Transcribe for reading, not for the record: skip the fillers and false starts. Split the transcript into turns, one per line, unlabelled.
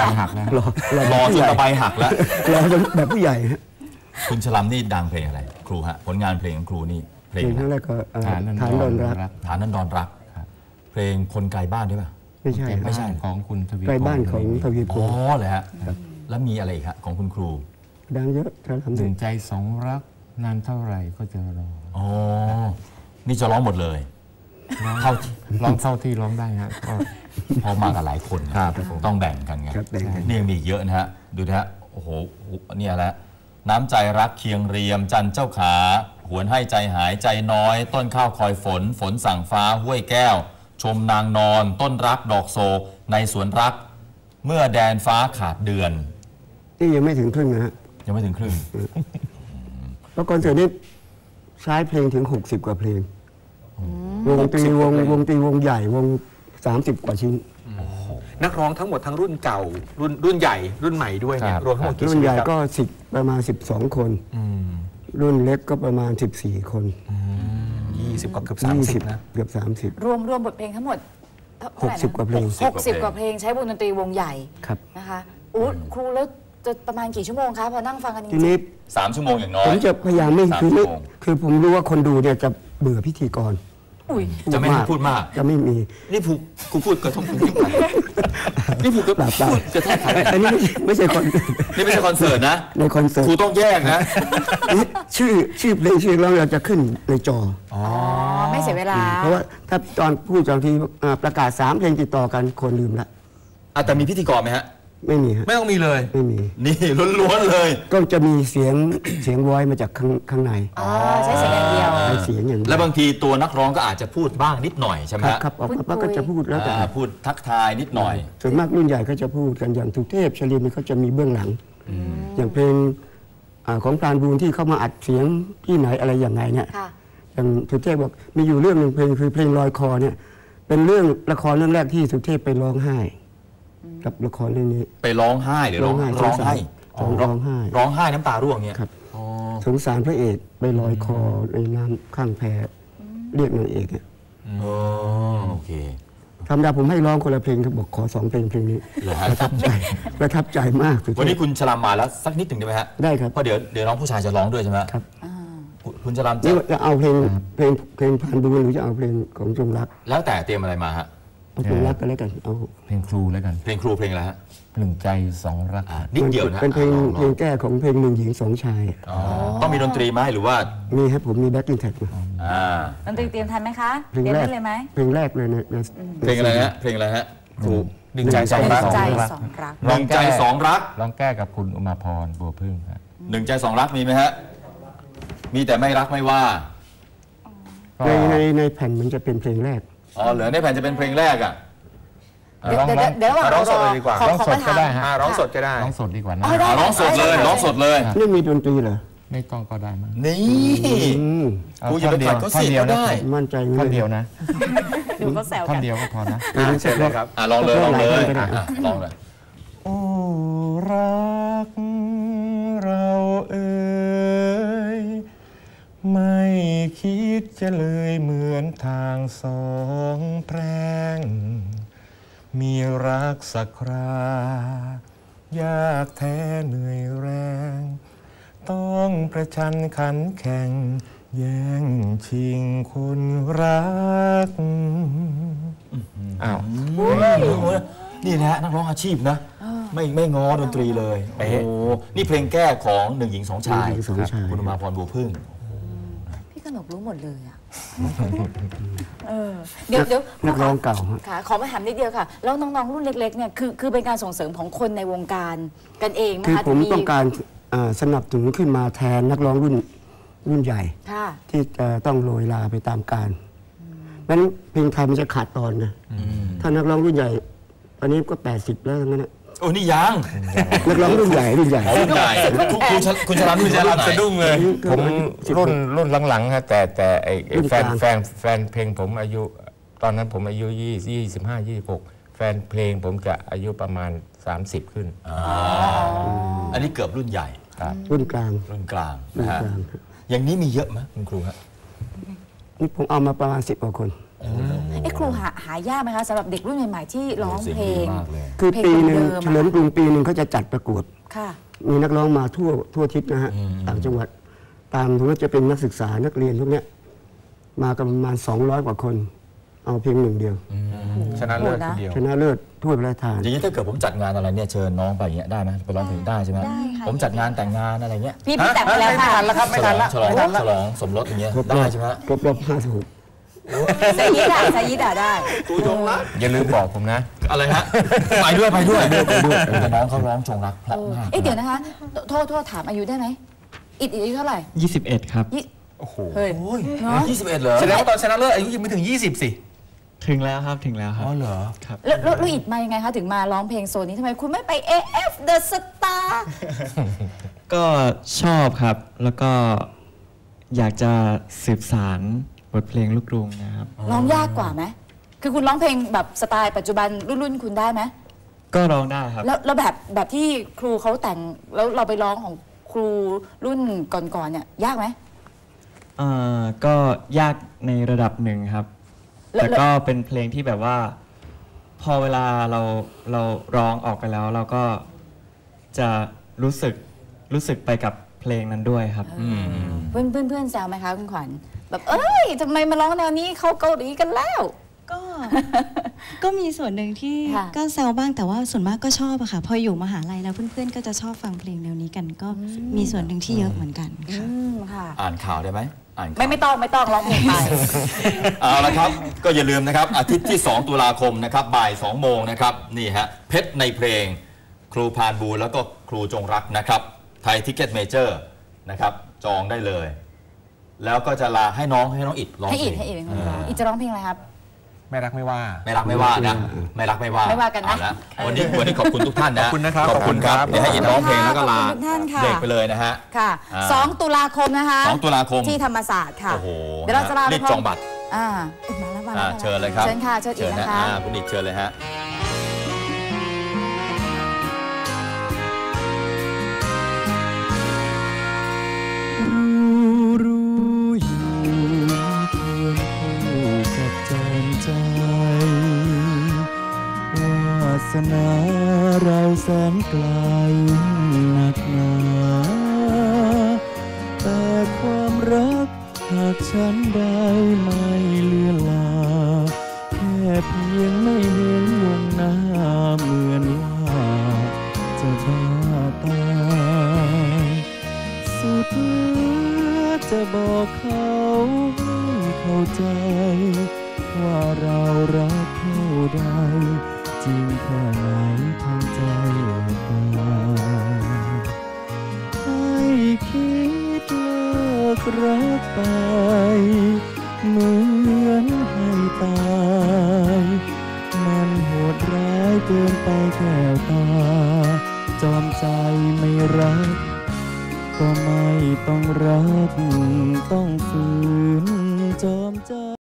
หักแล้ว
รอจนตะไบหักแล้ว
รอจนแบบผู้ใหญ่
คุณชลัมนี่ดังเพลงอะไรครูฮะผลงานเพลงของครูนี่เพลง
ทั้งแรกก็ฐานนั้นดอนรัก
ฐานนั้นดอนรักเพลงคนไกลบ้านใช่ป่ะ
ไม่ใช่
ของคุณทวี
ไกลบ้านของทวีพงศ์
อ๋อเลยฮะแล้วมีอะไรอีกฮะของคุณครู
ดังเยอะ
หนึ่งใจสองรักนานเท่าไหร่ก็จะรอ
อ๋อนี่จะร้องหมดเลย
ร้องเท่าที่ร้องได้ฮะ
พอมากับหลายคนต้องแบ่งกันไงนี่ยังมีเยอะนะฮะดูนะฮะโอ้โหเนี่ยแหละน้ำใจรักเคียงเรียมจันเจ้าขาหวนให้ใจหายใจน้อยต้นข้าวคอยฝนฝนสั่งฟ้าห้วยแก้วชมนางนอนต้นรักดอกโศกในสวนรักเมื่อแดนฟ้าขาดเดือน
นี่ยังไม่ถึงครึ่งนะฮะ
ยังไม่ถึงครึ่ง
แล้วคอนเสิร์ตนี้ใช้เพลงถึง60 กว่าเพลงวงตรีวงใหญ่วง30 กว่าชิ้น
นักร้องทั้งหมดทั้งรุ่นเก่ารุ่นใหญ่รุ่นใหม่ด้วยเนี่ยรวมทั้งหมดกี่
รุ่นใหญ่ก็ประมาณ12 คนรุ่นเล็กก็ประมาณ14 คน
20กว่าเกือบ30นะ
เกือบ30
รวมบทเพลงทั้งหมด
60 กว่าเพลง
60 กว่าเพลงใช้วงดนตรีวงใหญ่นะคะครูแล้วจะประมาณกี่ชั่วโมงคะพอนั่งฟังกันจริงๆ
ทีนี้
3 ชั่วโมงอย่างน้อย
ผมจะพยายามไม่คือผมรู้ว่าคนดูเนี่ยจะเบื่อพิธีกร
จะไม่พูดมาก
จะไม่มี
นี่ครูพูดกระทบคุณไปนี่พูดกระแทกใคร
อันนี้ไม่ใช่
นี่ไม่ใช่คอนเสิร์ตนะ
ในคอนเสิร์ต
ครูต้องแยกนะ
ชื่อเพลงเราจะขึ้นในจอ
ไม่เสียเวลา
เพราะว่าถ้าตอนพูดตอนที่ประกาศ3 เพลงติดต่อกันคนลืมละ
แต่มีพิธีกรไหมฮะ
ไม่มีฮะ
ไม่ต้องมีเลย
ไม่มี
นี่ล้วนๆเลย
ก็จะมีเสียงวอยมาจากข้างใน
ใช้เสียงอย่างเดียว
ใช้เสียงอย่าง
แล้วบางทีตัวนักร้องก็อาจจะพูดบ้างนิดหน่อยใช่ไหม
ครับออกมาก็จะพูดแล้วแต่
พูดทักทายนิดหน่อย
ส่วนมากรุ่นใหญ่ก็จะพูดกันอย่างสุเทพชลินเขาจะมีเบื้องหลังอย่างเพลงของพรานบูญที่เข้ามาอัดเสียงที่ไหนอะไรอย่างไงเนี่ยอย่างสุเทพบอกมีอยู่เรื่องหนึ่งเพลงคือเพลงลอยคอเนี่ยเป็นเรื่องละครเรื่องแรกที่สุเทพไปร้องไห้กับละครเรื่องนี้
ไปร้องไห้หรือร้องไห้
ร้องไห้
น้ำตาร่วงเนี่ย
ครับสงสารพระเอกไปลอยคอในน้ำข้างแพเรียกนางเอกเนี่ย
โอเค
ธรรมดาผมให้ร้องคนละเพลงครับบอกขอ2 เพลงนี้ประทับใจมาก
วันนี้คุณชลามมาแล้วสักนิดหนึ่งได้ไหมฮะ
ได้ครับ
เพราะเดี๋ยวน้องผู้ชายจะร้องด้วยใช่ไหม
ครับ
คุณชลาม
จะเอาเพลงพันบุญหรือจะเอาเพลงของจงรัก
แล้วแต่เตรียมอะไรมาฮะ
จงรักกันแล้วกันเอา
เพลงครูแล้วกัน
เพลงครูเพลงอะไรฮะ
หนึ่งใจสองรัก
นิดเดียวนะ
เป็นเพลงแก้ของเพลง1 หญิง 2 ชาย
ต้องมีดนตรีไหมหรือว่า
มีครับผมมีแบ็คกิ้งแท็ก
ดนตรีเตรียมทันไหมคะเตรียมได้เลยไหม
เพลงแรกเลยเนี่ย
เพลงอะไรฮะเพลงอะไรฮะครู
หนึ่งใจสองรัก
หนึ่งใจสองรัก
ร้องแก้กับคุณอุมาพรบัวพึ่งครับ
หนึ่งใจสองรักมีไหมฮะมีแต่ไม่รักไม่ว่า
ในแผ่นมันจะเป็นเพลงแรก
เหลือในแผ่นจะเป็นเพลงแรก
เดี๋ยว
ร้องสดเลยดีกว่า
ร้องสดก็ได้ฮะ
ร้องสดก็ได้
ร้องสดดีกว่านะ
ร้องสดเลย
นี่มีดนตรีเหรอ
ไม่ต้องก็ได้มั้ง
นี่ครูอย่าไปขัดเขาเสียก็ได้
มั่นใจ
ท่อนเดียวนะ
ดูเขาแซวกัน
ท่อนเดียวก็พอนะ
เสร็จเลยครับ
ลองเลยลองเลย
โอ้รักเราเอ่ยไม่คิดจะเลยเหมือนทาง2 แพร่งมีรักสักครายากแท้เหนื่อยแรงต้องประชันขันแข่งแย่งชิงคนรัก
นี่นะนักร้องอาชีพนะไม่ง้อดนตรีเลยโอ้นี่เพลงแก้ของ1 หญิง 2 ชายคุณอุมาพรบัวพึ่ง
พี่กนกรู้หมดเลยอ่ะเดี๋ยว
นักร้องเก่า
ค่ะขอมาถามนิดเดียวค่ะแล้วน้องๆรุ่นเล็กๆเนี่ยคือเป็นการส่งเสริมของคนในวงการกันเองนะคะ
คือผมต้องการสนับสนุนขึ้นมาแทนนักร้องรุ่นใหญ่ที่จะต้องโรยลาไปตามกาลนั้นเพลงไทยมันจะขาดตอนนะถ้านักร้องรุ่นใหญ่ตอนนี้ก็80แล้วทั้งนั้น
โอ้นี่ยัง
นักร้องรุ่นใหญ่
คุณชลัน
สะดุ้งเลยผมรุ่นหลังๆฮะแต่ไอ้แฟนเพลงผมอายุตอนนั้นผมอายุ25-26แฟนเพลงผมจะอายุประมาณ30ขึ้น
อันนี้เกือบรุ่นใหญ่
รุ่นกลาง
นะฮะอย่างนี้มีเยอะไหมคุณครูฮะ
นี่ผมเอามาประมาณ10 กว่าคน
ครูหายากไหมคะสำหรับเด็กรุ่นใหม่ๆที่ร้องเพลง
คือปีหนึ่งเฉลิมกรุงปีหนึ่งเขาจะจัดประกวดมีนักร้องมาทั่วทิศนะฮะต่างจังหวัดตามถึงว่าจะเป็นนักศึกษานักเรียนพวกนี้มากันประมาณ200 กว่าคนเอาเพียง1 เดียว
ชนะเลิศคนเดียว
ชนะเลิศถ้วยพระราชทาน
อย่างนี้ถ้าเกิดผมจัดงานอะไรเนี่ยเชิญน้องไปอย่างเงี้ยได้ไหมไปร้องเพลงได้ใช่ไหมผมจัดงานแต่งงานอะไรเงี้ย
พี่แต่งไปแล้วค่ะ
ไม่ทันแล้วครับไม่ทันแล้ว
ฉลองสมรสอย่างเงี้ยได้ใช่ไหม
ครบรอบ56
สายิดาได้
ครูจงรัก
อย่าลืมบอกผมนะ
อะไรฮะไปด้วยแต่น้องเขาร้องจงรักเพราะมาก
เดี๋ยวนะคะโทษถามอายุได้ไหมอิดอายุเท่าไหร่
21ครับ
โอ้โห21เหรอ
แสดงว่าตอนชนะเลิศอายุยังไม่ถึง20สิ
ถึงแล้วครับ
อ๋อเหรอ
ครับ
แล้วอิดมายังไงคะถึงมาร้องเพลงโซนนี้ทำไมคุณไม่ไป AF The Star
ก็ชอบครับแล้วก็อยากจะสืบสานบทเพลงลูกกรุงนะครับ
ร้องยากกว่าไหมคือคุณร้องเพลงแบบสไตล์ปัจจุบันรุ่นคุณได้ไหม
ก็ร้องได้ครับ
แล้วแบบที่ครูเขาแต่งแล้วเราไปร้องของครูรุ่นก่อนเนี่ยยากไหม
ก็ยากในระดับหนึ่งครับแต่ก็เป็นเพลงที่แบบว่าพอเวลาเราร้องออกไปแล้วเราก็จะรู้สึกไปกับเพลงนั้นด้วยครับ
เพื่อนแซวไหมคะคุณขวัญแบบทำไมมาร้องแนวนี้เขาเกาหลีกันแล้ว
ก็มีส่วนหนึ่งที่ก็แซวบ้างแต่ว่าส่วนมากก็ชอบอะค่ะพออยู่มหาลัยแล้วเพื่อนๆก็จะชอบฟังเพลงแนวนี้กันก็มีส่วนหนึ่งที่เยอะเหมือนกัน
ค่ะ
อ่านข่าวได้ไหม
ไม่ต้องร้องเพลงไป
เอาละครับก็อย่าลืมนะครับอาทิตย์ที่2 ตุลาคมนะครับบ่าย 2 โมงนะครับนี่ฮะเพชรในเพลงครูพานบูแล้วก็ครูจงรักนะครับไทยทิกเก็ตเมเจอร์นะครับจองได้เลยแล้วก็จะลาให้น้องอิดร้องเพลง
ให้อิดจะร้องเพลงอะไรครับ
ไม่รักไม่ว่า
นะไม่รักไม่ว่า
กันนะ
วันนี้ขอบคุณทุกท่านนะ
ขอบคุณนะครับ
ขอบคุณครับเดี๋ยวให้อิดร้องเพลงแล้วก็ลาเด็กไปเลยนะฮะ
ค่ะ2 ตุลาคมนะคะ
2 ตุลาคม
ที่ธรรมศาสตร์ค่ะ
เดี๋ยวเราจะลารีบจองบัตร
มาแล้ว
เชิญเลยครับ
เชิญค่ะเชิญอิดนะคะ
คุณอิดเชิญเลยฮะ
วาสนาเราแสนไกลหนักหนาแต่ความรักหากฉันได้ไม่เลือนลาแค่เพียงไม่เห็นวงหน้าเหมือนว่าจะบ้าตายสุดจะบอกเขาให้เข้าใจว่าเรารักเท่าใดจริงแค่ไหนทางใจกายให้คิดเลิกรักไปเหมือนให้ตายมันโหดร้ายเกินไปแก้วตาจอมใจไม่รักก็ไม่ต้องรักต้องฝืนจอมใจ